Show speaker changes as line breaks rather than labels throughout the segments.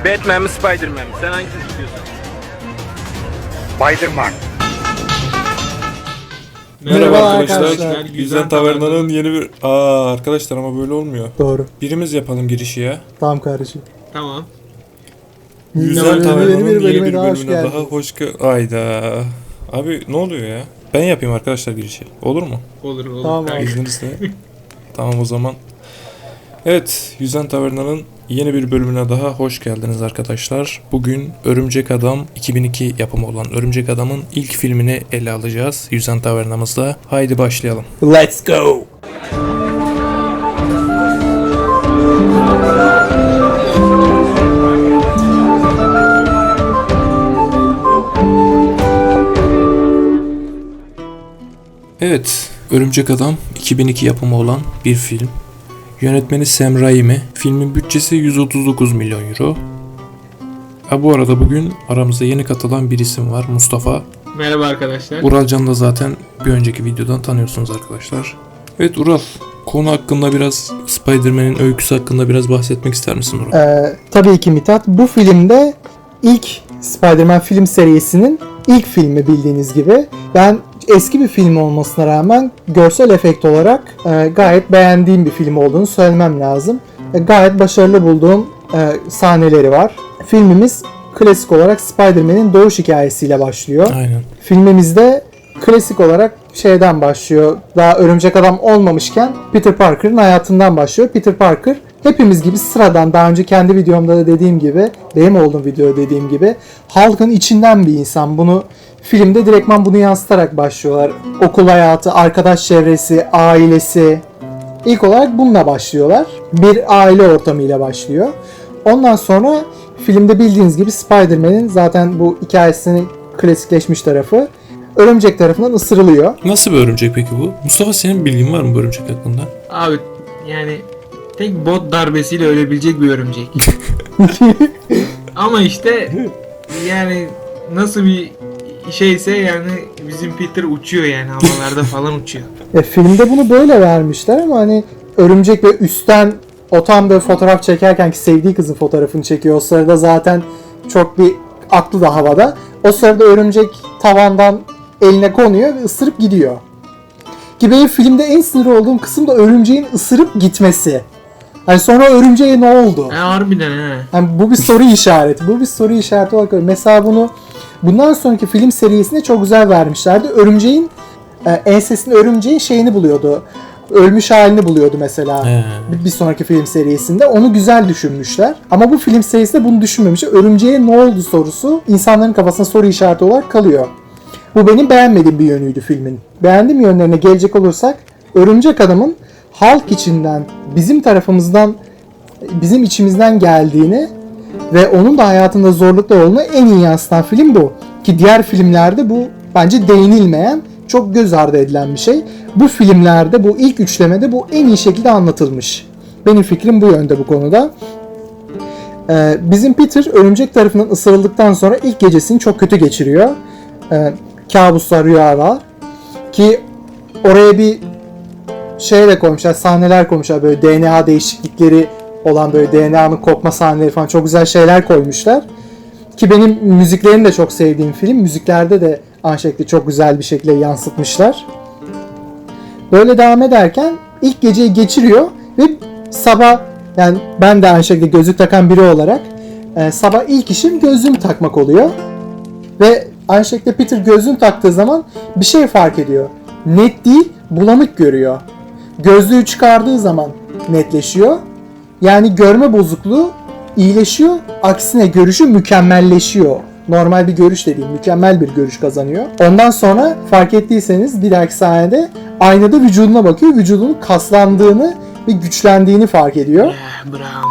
Batman mi Spiderman mi? Sen hangisini tutuyorsun?
Spiderman.
Merhaba arkadaşlar.
arkadaşlar.
Yüzen Taverna'nın yeni bir... arkadaşlar ama böyle olmuyor.
Doğru.
Birimiz yapalım girişi ya.
Tamam kardeşim.
Tamam.
Yüzen
Yeni
Taverna'nın
bir
yeni bir
bölüme daha hoş
bölümüne
geldin.
daha hoş Ayda. Abi ne oluyor ya? Ben yapayım arkadaşlar girişi. Olur mu?
Olur olur.
Tamam abi.
İzninizle. Tamam o zaman. Evet, Yüzen Taverna'nın yeni bir bölümüne daha hoş geldiniz arkadaşlar. Bugün Örümcek Adam 2002 yapımı olan Örümcek Adam'ın ilk filmini ele alacağız Yüzen Taverna'mızda. Haydi başlayalım.
Let's go.
Evet, Örümcek Adam 2002 yapımı olan bir film. Yönetmeni Sam Raimi. Filmin bütçesi 139 milyon euro. Bu arada bugün aramıza yeni katılan bir isim var, Mustafa.
Merhaba arkadaşlar.
Uralcan'ı da zaten bir önceki videodan tanıyorsunuz arkadaşlar. Evet Ural, konu hakkında biraz, Spider-Man'in öyküsü hakkında biraz bahsetmek ister misin Ural?
Tabii ki Mithat. Bu filmde ilk Spider-Man film serisinin ilk filmi bildiğiniz gibi. Ben eski bir film olmasına rağmen görsel efekt olarak gayet beğendiğim bir film olduğunu söylemem lazım. Gayet başarılı bulduğum sahneleri var. Filmimiz klasik olarak Spider-Man'in doğuş hikayesiyle başlıyor.
Aynen.
Filmimizde klasik olarak şeyden başlıyor. Daha Örümcek Adam olmamışken Peter Parker'ın hayatından başlıyor. Peter Parker hepimiz gibi sıradan, daha önce kendi videomda da dediğim gibi, benim olduğum videoda dediğim gibi, halkın içinden bir insan. Bunu filmde direktman bunu yansıtarak başlıyorlar. Okul hayatı, arkadaş çevresi, ailesi. İlk olarak bununla başlıyorlar. Bir aile ortamıyla başlıyor. Ondan sonra filmde bildiğiniz gibi Spider-Man'in zaten bu hikayesinin klasikleşmiş tarafı örümcek tarafından ısırılıyor.
Nasıl bir örümcek peki bu? Mustafa, senin bilgin var mı bu örümcek hakkında?
Abi yani tek bot darbesiyle ölebilecek bir örümcek. Ama işte yani nasıl bir şeyse yani bizim Peter uçuyor yani havalarda falan uçuyor.
Filmde bunu böyle vermişler ama hani örümcek ve üstten o tam böyle fotoğraf çekerken ki sevdiği kızın fotoğrafını çekiyor. O sırada zaten çok bir aklı da havada. O sırada örümcek tavandan eline konuyor ve ısırıp gidiyor. Ki benim filmde en sinir olduğum kısım da örümceğin ısırıp gitmesi. Hani sonra örümceğe ne oldu?
Harbiden he.
Yani bu bir soru işareti. Bu bir soru işareti olarak mesela bunu bundan sonraki film serisinde çok güzel vermişlerdi. Örümceğin ensesinde örümceğin şeyini buluyordu. Ölmüş halini buluyordu mesela. Bir sonraki film serisinde. Onu güzel düşünmüşler. Ama bu film serisinde bunu düşünmemişler. Örümceğe ne oldu sorusu insanların kafasında soru işareti olarak kalıyor. Bu benim beğenmediğim bir yönüydü filmin. Beğendiğim yönlerine gelecek olursak, Örümcek Adam'ın halk içinden, bizim tarafımızdan, bizim içimizden geldiğini ve onun da hayatında zorluklar olduğunu en iyi yansıtan film bu. Ki diğer filmlerde bu bence değinilmeyen, çok göz ardı edilen bir şey. Bu filmlerde, bu ilk üçlemede bu en iyi şekilde anlatılmış. Benim fikrim bu yönde bu konuda. Bizim Peter örümcek tarafından ısırıldıktan sonra ilk gecesini çok kötü geçiriyor. Kabuslar, rüyalar. Ki oraya bir şey de koymuşlar, sahneler koymuşlar, böyle DNA değişiklikleri olan, böyle DNA'nın kopma sahneleri falan, çok güzel şeyler koymuşlar. Ki benim müziklerini de çok sevdiğim film. Müziklerde de aynı şekilde çok güzel bir şekilde yansıtmışlar. Böyle devam ederken ilk geceyi geçiriyor ve sabah, yani ben de aynı şekilde gözlük takan biri olarak sabah ilk işim gözlüğümü takmak oluyor. Ve aynı şekilde Peter gözlüğünü taktığı zaman bir şey fark ediyor. Net değil, bulanık görüyor. Gözlüğü çıkardığı zaman netleşiyor. Yani görme bozukluğu iyileşiyor. Aksine görüşü mükemmelleşiyor. Normal bir görüş de değil, mükemmel bir görüş kazanıyor. Ondan sonra fark ettiyseniz bir dahaki sahnede aynada vücuduna bakıyor. Vücudunun kaslandığını ve güçlendiğini fark ediyor.
Bravo.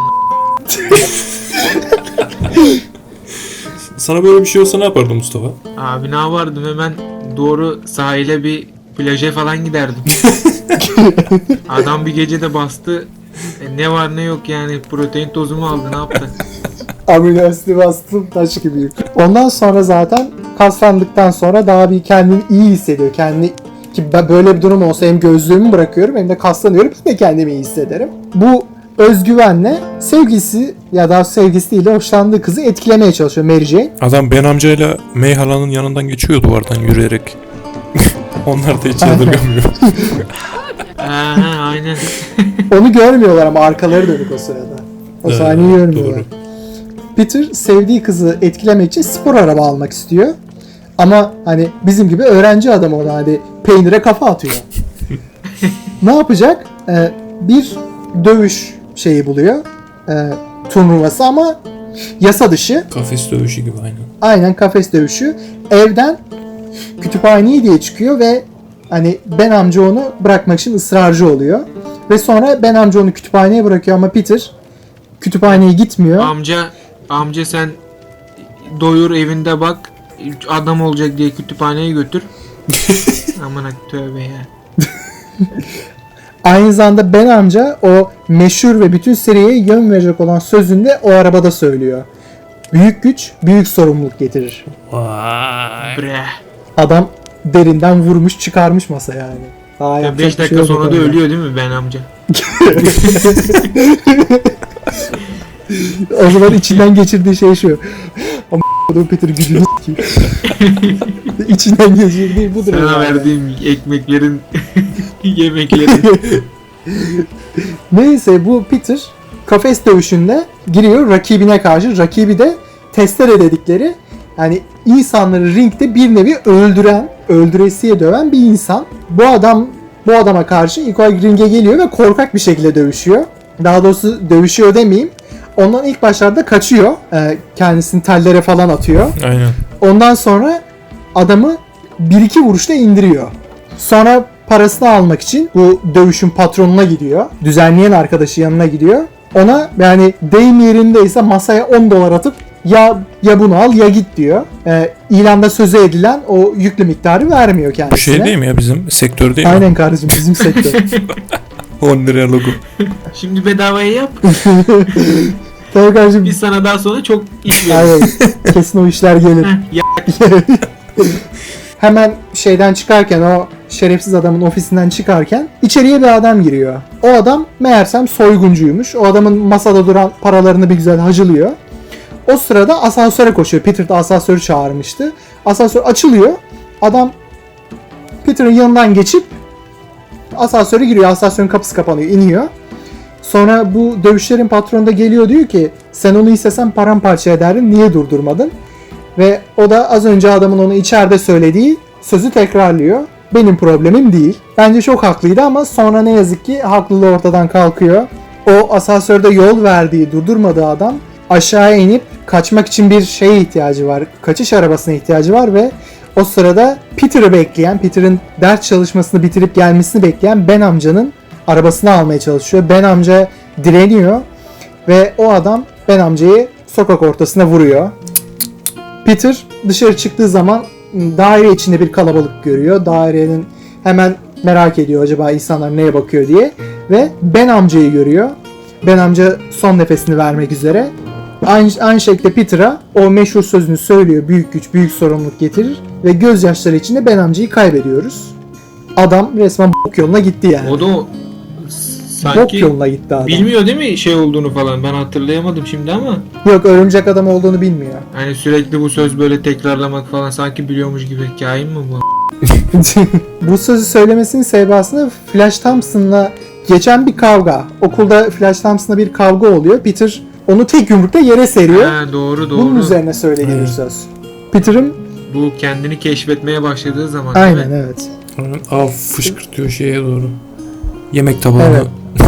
Sana böyle bir şey olsa ne yapardın Mustafa?
Abi ne yapardım, hemen doğru sahile bir plaja falan giderdim. Adam bir gecede bastı. Ne var ne yok yani, protein tozumu aldı, ne yaptı?
Amino asidi bastım, taş gibiyim. Ondan sonra zaten kaslandıktan sonra daha bir kendini iyi hissediyor. Kendini, ki böyle bir durum olsa hem gözlüğümü bırakıyorum hem de kaslanıyorum, yine kendimi iyi hissederim. Bu özgüvenle sevgilisi ya da sevgilisiyle hoşlandığı kızı etkilemeye çalışıyor Mary Jane.
Adam Ben amcayla May halanın yanından geçiyor duvardan yürüyerek. Onlar da hiç yadırgamıyor.
Aynen.
Onu görmüyorlar ama arkaları dönük o sırada. O
Evet,
sahneyi görmüyorlar.
doğru.
Peter sevdiği kızı etkilemek için spor araba almak istiyor. Ama hani bizim gibi öğrenci adam ona hani peynire kafa atıyor. Ne yapacak? Bir dövüş şeyi buluyor. Turnuvası ama yasa dışı.
Kafes dövüşü gibi aynen.
Aynen kafes dövüşü. Evden kütüphaneye diye çıkıyor ve hani Ben amca onu bırakmak için ısrarcı oluyor. Ve sonra Ben amca onu kütüphaneye bırakıyor ama Peter kütüphaneye gitmiyor.
Amca sen doyur evinde bak, adam olacak diye kütüphaneye götür. Aman tövbe ya.
Aynı zamanda Ben amca o meşhur ve bütün seriye yön verecek olan sözünü de o arabada söylüyor. Büyük güç büyük sorumluluk getirir.
Vay.
Bre.
Adam derinden vurmuş çıkarmış masa yani. Daha yapacak
5
bir şey
dakika
yok
sonra da
orada.
ölüyor değil mi Ben amca?
O zaman içinden geçirdiği şey şu. Ama Peter gücünü s**eyim. İçinden geçirdiği budur.
Sana
yani.
verdiğim ekmeklerin, yemeklerin.
Neyse bu Peter kafes dövüşünde giriyor rakibine karşı. Rakibi de testere dedikleri yani insanları ringde bir nevi öldüresiye döven bir insan. Bu adama karşı ilk olarak ringe geliyor ve korkak bir şekilde dövüşüyor. Daha doğrusu dövüşüyor demeyeyim. Ondan ilk başlarda kaçıyor. Kendisini tellere falan atıyor.
Aynen.
Ondan sonra adamı 1-2 vuruşta indiriyor. Sonra parasını almak için bu dövüşün patronuna gidiyor. Düzenleyen arkadaşı yanına gidiyor. Ona yani deyim yerindeyse masaya 10 dolar atıp ya bunu al ya git diyor. İlanda söze edilen o yüklü miktarı vermiyor
Bu
kendisine.
şey değil mi ya bizim sektör değil mi?
Aynen kardeşim bizim sektör.
10 liraya logo.
Şimdi bedavaya yap.
Tabii kardeşim.
Biz sana daha sonra çok iş veririz.
Aynen. Kesin o işler gelir.
Ya
Hemen şeyden çıkarken o şerefsiz adamın ofisinden çıkarken içeriye bir adam giriyor. O adam meğersem soyguncuymuş. O adamın masada duran paralarını bir güzel hacılıyor. O sırada asansöre koşuyor. Peter de asansörü çağırmıştı. Asansör açılıyor. Adam Peter'ın yanından geçip asansöre giriyor. Asansörün kapısı kapanıyor. İniyor. Sonra bu dövüşlerin patronu da geliyor diyor ki sen onu istesen paramparça ederdin. Niye durdurmadın? Ve o da az önce adamın onu içeride söylediği sözü tekrarlıyor. Benim problemim değil. Bence çok haklıydı ama sonra ne yazık ki haklılığı ortadan kalkıyor. O asansörde yol verdiği, durdurmadığı adam aşağıya inip kaçmak için bir şeye ihtiyacı var. Kaçış arabasına ihtiyacı var ve o sırada Peter'ı bekleyen, Peter'ın ders çalışmasını bitirip gelmesini bekleyen Ben amcanın arabasını almaya çalışıyor. Ben amca direniyor ve o adam Ben amcayı sokak ortasına vuruyor. Peter dışarı çıktığı zaman daire içinde bir kalabalık görüyor. Dairenin hemen merak ediyor acaba insanlar neye bakıyor diye. Ve Ben amcayı görüyor. Ben amca son nefesini vermek üzere. Aynı şekilde Peter'a o meşhur sözünü söylüyor. Büyük güç büyük sorumluluk getirir. Ve gözyaşları içinde Ben amcayı kaybediyoruz. Adam resmen bok yoluna gitti yani.
o da
Bok
sanki
yoluna gitti adam.
bilmiyor değil mi şey olduğunu falan. Ben hatırlayamadım şimdi ama.
Yok örümcek adam olduğunu bilmiyor.
Hani sürekli bu söz böyle tekrarlamak falan sanki biliyormuş gibi. Kain mi bu?
Bu sözü söylemesinin sebebi aslında Flash Thompson'la geçen bir kavga. Okulda Flash Thompson'la bir kavga oluyor. Peter onu tek yumrukta yere seriyor.
Ha, doğru.
Bunun üzerine söylediği bir söz. Peter'ın
Bu kendini keşfetmeye başladığı zaman. değil
aynen
mi?
evet.
Av fışkırtıyor şeye doğru. Yemek tabağına.
Evet.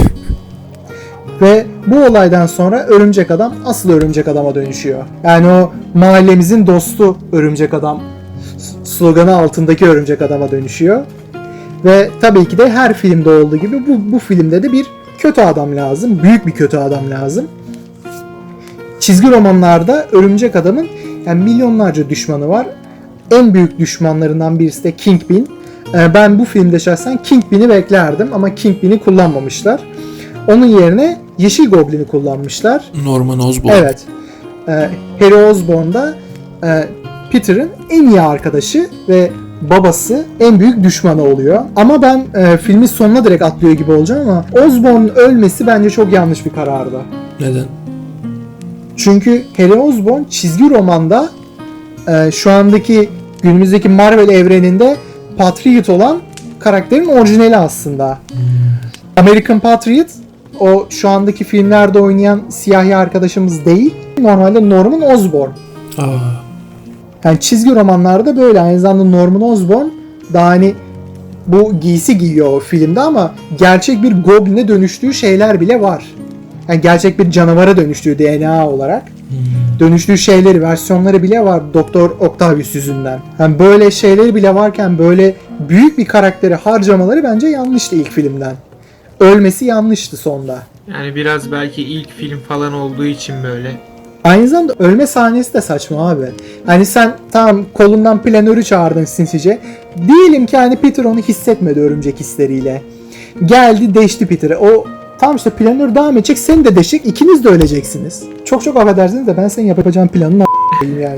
Ve bu olaydan sonra örümcek adam asıl örümcek adama dönüşüyor. Yani o mahallemizin dostu örümcek adam sloganı altındaki örümcek adama dönüşüyor. Ve tabii ki de her filmde olduğu gibi bu filmde de bir kötü adam lazım. Büyük bir kötü adam lazım. Çizgi romanlarda örümcek adamın yani milyonlarca düşmanı var. En büyük düşmanlarından birisi de Kingpin. Ben bu filmde şahsen Kingpin'i beklerdim ama Kingpin'i kullanmamışlar. Onun yerine Yeşil Goblin'i kullanmışlar.
Norman Osborn.
Evet. Harry Osborn da Peter'ın en iyi arkadaşı ve babası en büyük düşmanı oluyor. Ama ben filmin sonuna direkt atlıyor gibi olacağım ama Osborn'un ölmesi bence çok yanlış bir karardı.
Neden?
Çünkü Harry Osborn çizgi romanda şu andaki günümüzdeki Marvel evreninde Patriot olan karakterin orijinali aslında. American Patriot o şu andaki filmlerde oynayan siyahi arkadaşımız değil. Normalde Norman Osborn.
Aa,
Yani çizgi romanlarda böyle. Aynı zamanda Norman Osborn daha hani bu giysi giyiyor o filmde ama gerçek bir goblin'e dönüştüğü şeyler bile var. Yani gerçek bir canavara dönüştüğü DNA olarak. Dönüştüğü şeyleri, versiyonları bile var Doktor Octavius yüzünden. Yani böyle şeyleri bile varken böyle büyük bir karakteri harcamaları bence yanlıştı ilk filmden. Ölmesi yanlıştı sonda.
Yani biraz belki ilk film falan olduğu için böyle.
Aynı zamanda ölme sahnesi de saçma abi. Hani sen tamam kolundan planörü çağırdın sinsice. Diyelim ki hani Peter onu hissetmedi örümcek hisleriyle. Geldi deşti Peter'ı. O tam işte planör devam edecek, seni de deşecek, ikiniz de öleceksiniz. Çok çok affedersiniz de ben senin yapacağın planını a**ayım yani.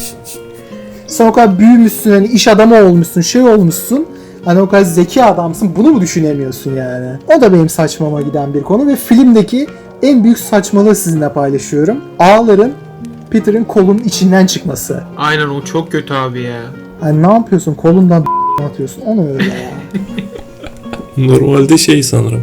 Sen o kadar büyümüşsün, hani iş adamı olmuşsun, şey olmuşsun. Hani o kadar zeki adamsın, bunu mu düşünemiyorsun yani? O da benim saçmama giden bir konu ve filmdeki en büyük saçmalığı sizinle paylaşıyorum. Ağların Peter'ın kolunun içinden çıkması.
Aynen, o çok kötü abi ya.
Hani ne yapıyorsun? Kolundan atıyorsun. Onu öyle ya.
normalde şey sanırım.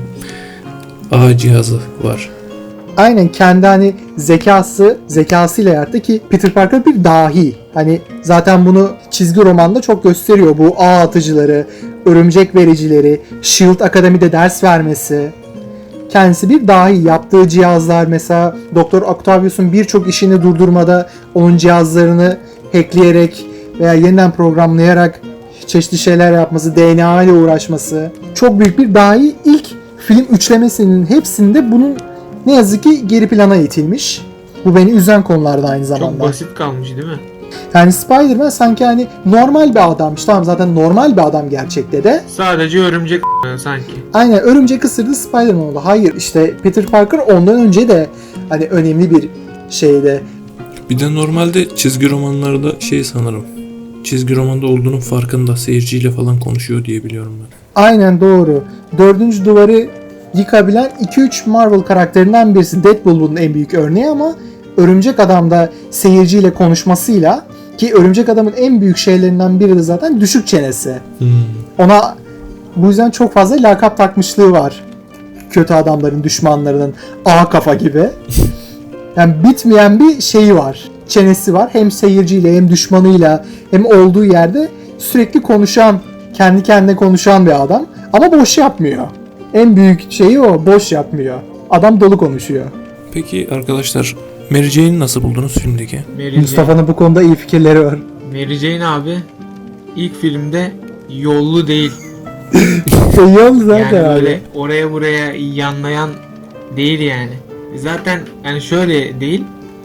A cihazı var.
Aynen kendi hani zekasıyla yarattı ki Peter Parker bir dahi. Hani zaten bunu çizgi romanda çok gösteriyor. Bu ağ atıcıları, örümcek vericileri, Shield Akademi'de ders vermesi. Kendisi bir dahi. Yaptığı cihazlar mesela Doktor Octavius'un birçok işini durdurmada onun cihazlarını hackleyerek veya yeniden programlayarak çeşitli şeyler yapması, DNA ile uğraşması. Çok büyük bir dahi. İlk film üçlemesinin hepsinde bunun ne yazık ki geri plana itilmiş. Bu beni üzen konularda aynı zamanda.
Çok basit kalmış değil mi?
Yani Spider-Man sanki hani normal bir adammış. Tamam zaten normal bir adam gerçekte de.
Sadece örümcek sanki.
Aynen örümcek ısırdı Spider-Man oldu. Hayır işte Peter Parker ondan önce de hani önemli bir şeyde.
Bir de normalde çizgi romanlarda şey sanırım. Çizgi romanda olduğunun farkında, seyirciyle falan konuşuyor diye biliyorum ben.
Aynen doğru. Dördüncü duvarı yıkabilen 2-3 Marvel karakterinden birisi. Deadpool bunun en büyük örneği ama Örümcek Adam da seyirciyle konuşmasıyla, ki Örümcek Adam'ın en büyük şeylerinden biri de zaten düşük çenesi. Ona bu yüzden çok fazla lakap takmışlığı var. Kötü adamların, düşmanlarının A kafa gibi. Yani bitmeyen bir şeyi var. Çenesi var. Hem seyirciyle hem düşmanıyla hem olduğu yerde sürekli konuşan, kendi kendine konuşan bir adam. Ama boş yapmıyor. En büyük şeyi o. Boş yapmıyor. Adam dolu konuşuyor.
Peki arkadaşlar, Mary Jane'i nasıl buldunuz filmdeki?
Mustafa'nın bu konuda iyi fikirleri var.
Mary Jane abi ilk filmde yollu değil.
Yol zaten
Yani
abi.
böyle oraya buraya yanlayan değil yani. Zaten yani şöyle değil.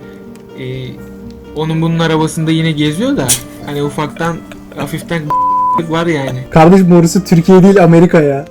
Onun bunun arabasında yine geziyor da hani ufaktan hafiften var yani.
Kardeşim orası Türkiye değil Amerika ya.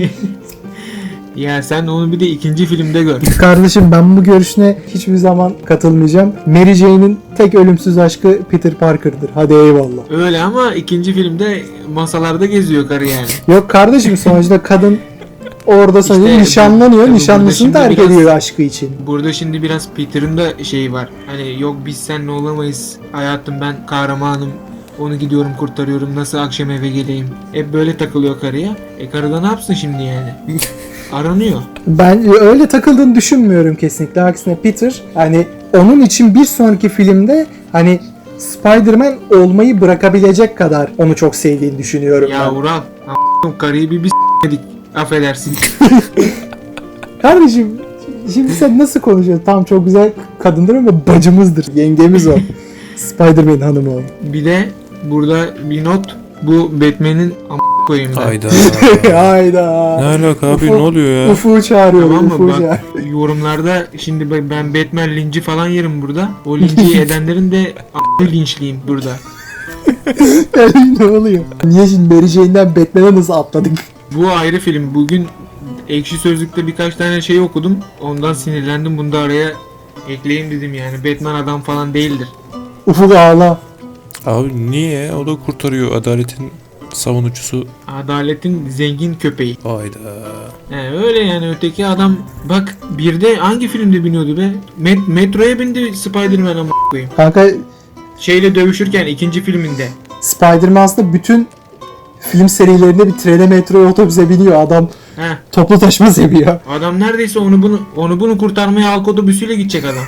Ya sen onu bir de ikinci filmde gör.
Kardeşim ben bu görüşüne hiçbir zaman katılmayacağım. Mary Jane'in tek ölümsüz aşkı Peter Parker'dır. Hadi eyvallah.
Öyle ama ikinci filmde masalarda geziyor karı yani.
Yok kardeşim sonuçta kadın orada sonuçta
İşte
nişanlanıyor.
tabii
Nişanlısını
burada
terk
şimdi
ediyor aşkı için.
Burada şimdi biraz Peter'ın da şeyi var. Hani yok biz seninle olamayız. Hayatım ben kahramanım. Onu gidiyorum kurtarıyorum. Nasıl akşam eve geleyim? Hep böyle takılıyor karıya. Karı da ne yapsın şimdi yani? Aranıyor.
Ben öyle takıldığını düşünmüyorum kesinlikle. Aksine Peter hani onun için bir sonraki filmde hani Spider-Man olmayı bırakabilecek kadar onu çok sevdiğini düşünüyorum
Ya
ben.
Ural, karıyı bir s**medik. Affedersin.
Kardeşim şimdi sen nasıl konuşuyorsun? Tamam çok güzel kadındır ama bacımızdır. Yengemiz o. Spider-Man hanımı o.
Bir de burada bir not. Bu Batman'in koyayım ben.
Hayda.
Hayda.
Ne alaka abi,
Ufuk-
ne oluyor ya?
Ufuk'u çağırıyor.
Tamam mı?
Ufuk'u
Bak
çağırıyor.
yorumlarda şimdi ben Batman linci falan yerim burada. O linci edenlerin de linçliyim burada.
ne oluyor? Niye şimdi Mary Jane'den Batman'e nasıl atladık?
Bu ayrı film. Bugün Ekşi Sözlük'te birkaç tane şey okudum. Ondan sinirlendim. Bunu da araya ekleyeyim dedim yani. Batman adam falan değildir.
Ufuk ağla.
Abi niye? O da kurtarıyor adaletin savunucusu.
Adaletin zengin köpeği.
Hayda.
Öyle yani, öteki adam bak bir de hangi filmde biniyordu be? Metroya bindi Spider-Man ama koyayım.
Kanka
Şeyle dövüşürken ikinci filminde.
Spider-Man aslında bütün film serilerinde bir trene, metroya, otobüse biniyor. Adam
Heh.
toplu taşıma seviyor.
Adam neredeyse onu bunu kurtarmaya halk otobüsüyle gidecek adam.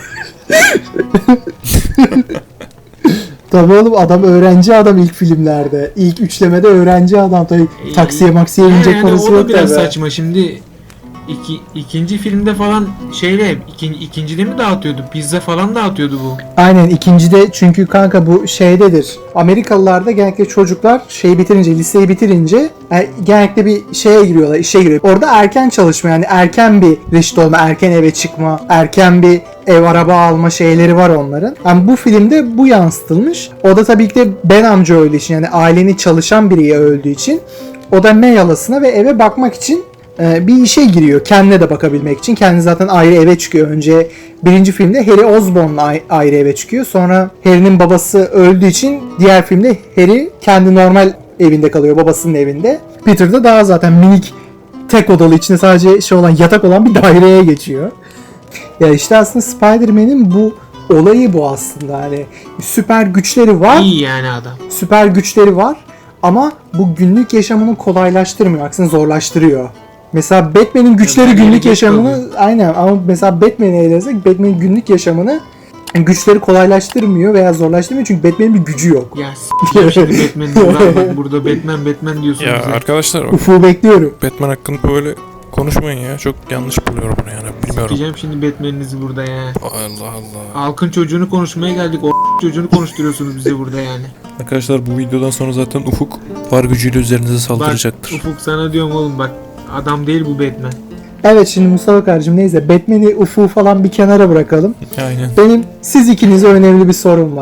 Tabii oğlum, adam öğrenci adam ilk filmlerde. İlk üçlemede öğrenci adam. Tabii taksiye maksiye binecek
Yani
parası
o da
yok
biraz
tabii.
saçma şimdi. İkinci filmde falan ikincide mi dağıtıyordu? Pizza falan dağıtıyordu bu.
Aynen, ikincide, çünkü kanka bu şeydedir. Amerikalılarda genellikle çocuklar bitirince, liseyi bitirince genellikle bir şeye giriyorlar, işe giriyor. Orada erken çalışma, yani erken bir reşit olma, erken eve çıkma, erken bir ev araba alma şeyleri var onların. Yani bu filmde bu yansıtılmış. O da tabii ki de Ben amca öldüğü için, yani ailenin çalışan biri öldüğü için o da meyalasına ve eve bakmak için bir işe giriyor. Kendine de bakabilmek için. Kendi zaten ayrı eve çıkıyor. Önce birinci filmde Harry Osborn'la ayrı eve çıkıyor. Sonra Harry'nin babası öldüğü için diğer filmde Harry kendi normal evinde kalıyor. Babasının evinde. Peter da daha zaten minik, tek odalı, içinde sadece olan yatak olan bir daireye geçiyor. Ya işte aslında Spider-Man'in bu olayı bu aslında. Hani süper güçleri var.
İyi yani adam.
Süper güçleri var ama bu günlük yaşamını kolaylaştırmıyor. Aksine zorlaştırıyor. Mesela Batman'in güçleri
Her yere
günlük
geç
yaşamını
kalıyor.
aynen, ama mesela Batman'i ele alırsak Batman'in günlük yaşamını güçleri kolaylaştırmıyor veya zorlaştırmıyor, çünkü Batman'in bir gücü yok.
Ya şimdi Batman diyorlar, bak burada Batman diyorsun
Ya
bize.
arkadaşlar,
Ufuk'u bekliyorum.
Batman hakkında böyle konuşmayın ya. Çok yanlış buluyorum bunu yani. Bilmiyorum.
Diyeceğim şimdi Batman'inizi burada ya.
Allah Allah.
Halkın çocuğunu konuşmaya geldik. O çocuğunu konuşturuyorsunuz bize burada yani.
Arkadaşlar, bu videodan sonra zaten Ufuk var gücüyle üzerinize saldıracaktır.
Bak Ufuk, sana diyorum oğlum, bak adam değil bu Batman.
Evet, şimdi Mustafa kardeşim, neyse, Batman'i, Ufuk'u falan bir kenara bırakalım.
Aynen.
Benim siz ikinize önemli bir sorum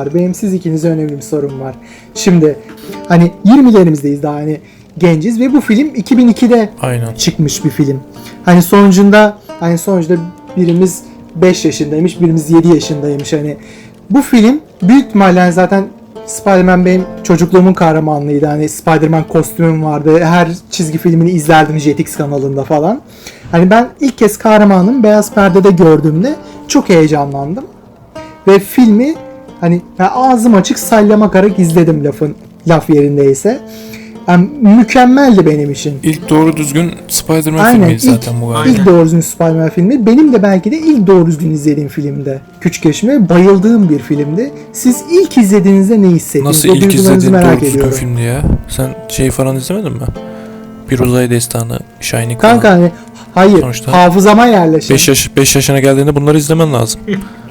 var. Şimdi hani 20'lerimizdeyiz daha, hani genciz ve bu film 2002'de
Aynen.
çıkmış bir film. Hani sonucunda birimiz 5 yaşındaymış, birimiz 7 yaşındaymış. Hani bu film büyük ihtimalle zaten Spider-Man benim çocukluğumun kahramanlığıydı. Hani Spider-Man kostümüm vardı. Her çizgi filmini izlerdim Jetix kanalında falan. Hani ben ilk kez kahramanım beyaz perdede gördüğümde çok heyecanlandım. Ve filmi hani ben ağzım açık sallamayarak izledim, laf yerindeyse. Yani mükemmeldi benim için.
İlk doğru düzgün Spider-Man
Aynen,
filmiydi zaten bu galiba.
İlk doğru düzgün Spider-Man filmi. Benim de belki de ilk doğru düzgün izlediğim filmde. Küçük yaşımda bayıldığım bir filmdi. Siz ilk izlediğinizde ne hissettiniz?
Nasıl
O
ilk
duygularınızı
izlediğin
merak
doğru düzgün
ediyorum.
filmdi ya? Sen şey falan izlemedin mi? Bir Uzay Destanı, Shining
Kanka
falan.
hani hayır,
Sonuçta
hafızama yerleşen.
5 yaşına geldiğinde bunları izlemen lazım.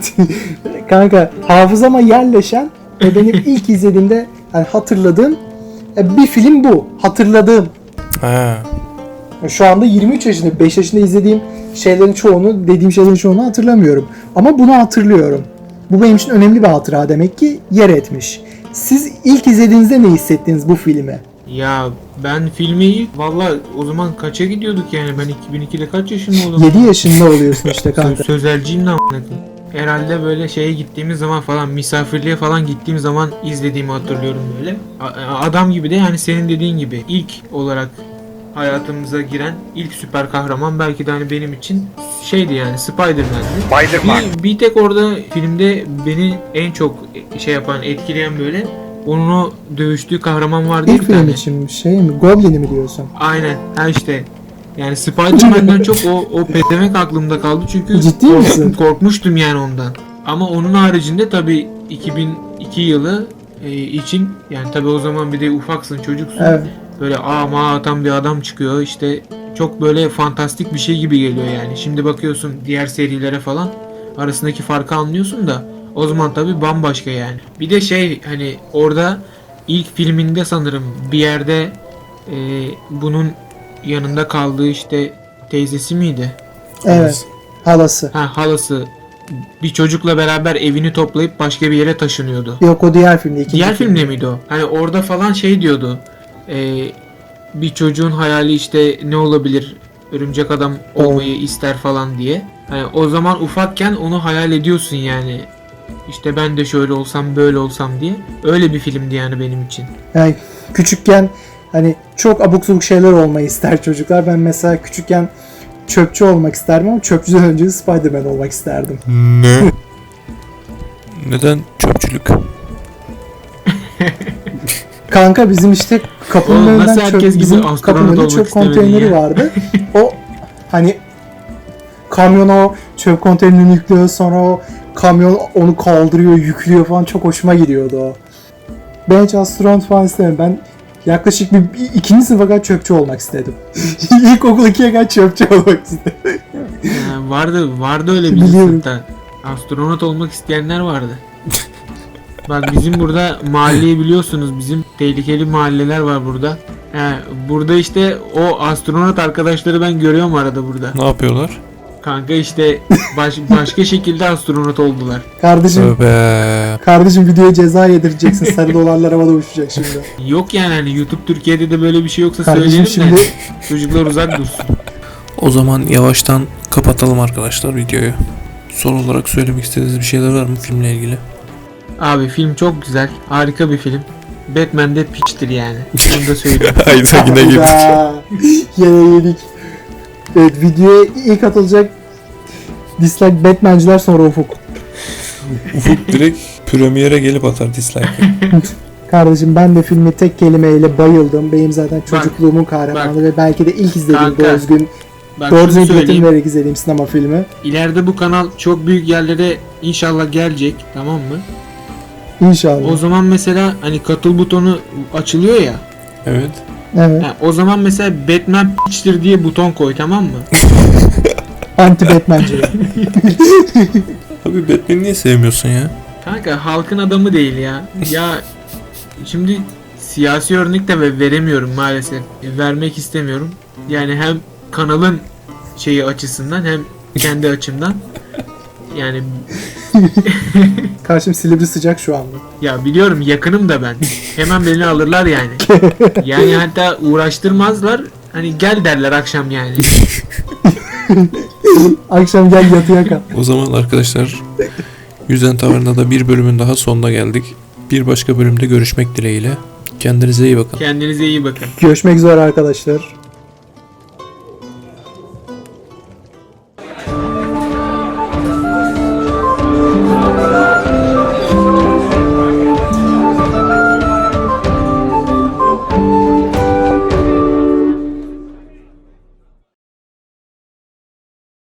Kanka hafızama yerleşen ve benim ilk izlediğimde yani hatırladığım bir film bu. Hatırladığım.
Ha.
Şu anda 23 yaşında, 5 yaşında izlediğim dediğim şeylerin çoğunu hatırlamıyorum. Ama bunu hatırlıyorum. Bu benim için önemli bir hatıra, demek ki yer etmiş. Siz ilk izlediğinizde ne hissettiniz bu filmi?
Ya ben filmi valla o zaman kaça gidiyorduk yani, ben 2002'de kaç yaşında oldum?
7 yaşında oluyorsun işte kanka.
Sözelciyim lan a**ına koyayım. Herhalde böyle şeye gittiğimiz zaman falan, misafirliğe falan gittiğim zaman izlediğimi hatırlıyorum böyle. Adam gibi de, yani senin dediğin gibi ilk olarak hayatımıza giren ilk süper kahraman belki de hani benim için şeydi yani, Spider-Man'di.
Spider-Man.
Bir tek orada filmde beni en çok şey yapan, etkileyen böyle onun o dövüştüğü kahraman vardı
İlk
bir
film
tane.
için şey mi? Goblin'i mi diyorsun?
Aynen. Ha işte. Yani Spider-Man'den çok o pezevenk aklımda kaldı çünkü
Ciddi misin?
korkmuştum yani ondan. Ama onun haricinde tabii 2002 yılı için, yani tabii o zaman bir de ufaksın, çocuksun.
Evet.
Böyle atan bir adam çıkıyor işte, çok böyle fantastik bir şey gibi geliyor yani. Şimdi bakıyorsun diğer serilere falan, arasındaki farkı anlıyorsun da o zaman tabii bambaşka yani. Bir de şey, hani orada ilk filminde sanırım bir yerde bunun yanında kaldığı işte teyzesi miydi?
Evet. Halası.
Halası bir çocukla beraber evini toplayıp başka bir yere taşınıyordu.
Yok, o diğer filmde.
Diğer filmde miydi o? Hani orada falan şey diyordu. Bir çocuğun hayali işte ne olabilir? Örümcek adam olmayı ister falan diye. Hani o zaman ufakken onu hayal ediyorsun yani. İşte ben de şöyle olsam, böyle olsam diye. Öyle bir filmdi yani benim için.
Yani küçükken Hani çok abuk subuk şeyler olmayı ister çocuklar. Ben mesela küçükken çöpçü olmak isterdim ama çöpçüden önce Spider-Man olmak isterdim.
Ne? Neden çöpçülük?
Kanka bizim işte kapının
Oğlum,
önünden
nasıl herkes gibi
bizim
astronot
kapının önünde
olmak
çöp
istemedin
konteyneri
ya?
vardı. O hani kamyon o çöp konteynerini yüklüyor, sonra o kamyon onu kaldırıyor, yüklüyor falan, çok hoşuma gidiyordu o. Ben hiç astronot falan istemem. Ben yaklaşık bir ikinci sınıfa kadar çöpçü olmak istedim. İlkokul 2'ye kadar çöpçü olmak istedim.
Vardı öyle bir
Biliyorum.
sınıfta. Astronot olmak isteyenler vardı. Bak bizim burada mahalleyi biliyorsunuz, bizim tehlikeli mahalleler var burada. Burada işte o astronot arkadaşları ben görüyorum arada burada.
Ne yapıyorlar?
Kanka işte başka şekilde astronot oldular.
Kardeşim,
Tövbe.
videoya ceza yedireceksin. Sarı dolarlar havada uçacak şimdi.
Yok yani hani YouTube Türkiye'de de böyle bir şey yoksa
Kardeşim
söyleyelim de
şimdi
çocuklar uzak dursun.
O zaman yavaştan kapatalım arkadaşlar videoyu. Son olarak söylemek istediğiniz bir şeyler var mı filmle ilgili?
Abi film çok güzel, harika bir film. Batman de piçtir yani. Bunu da söyleyeyim.
Hayda yine girdik.
Hayda. Yine yedik. Evet, videoya ilk atılacak dislike Batman'ciler, sonra Ufuk.
Ufuk direkt premiere gelip atar dislike.
Kardeşim ben de filmi tek kelimeyle bayıldım. Benim zaten
Bak,
çocukluğumun kahramanı
bak.
ve belki de ilk izlediğim
Kanka,
doğru düzgün
Bak şunu
götüm
söyleyeyim.
vererek izlediğim sinema filmi.
İleride bu kanal çok büyük yerlere inşallah gelecek, tamam mı?
İnşallah.
O zaman mesela hani katıl butonu açılıyor ya.
Evet.
Evet.
O zaman mesela Batman piçtir diye buton koy, tamam mı?
Anti Batman'ciler.
Abi Batman'i niye sevmiyorsun ya?
Kanka halkın adamı değil ya. Ya şimdi siyasi örnek de veremiyorum maalesef. Vermek istemiyorum. Yani hem kanalın şeyi açısından hem kendi açımdan. Yani
Karşım Silivri sıcak şu anda.
ya biliyorum, yakınım da ben. Hemen beni alırlar yani. Yani hatta uğraştırmazlar. Hani gel derler akşam yani.
Akşam gel yatıya kal.
O zaman arkadaşlar Yüzen Taverna'da bir bölümün daha sonuna geldik. Bir başka bölümde görüşmek dileğiyle. Kendinize iyi bakın.
Kendinize iyi bakın.
Görüşmek üzere arkadaşlar.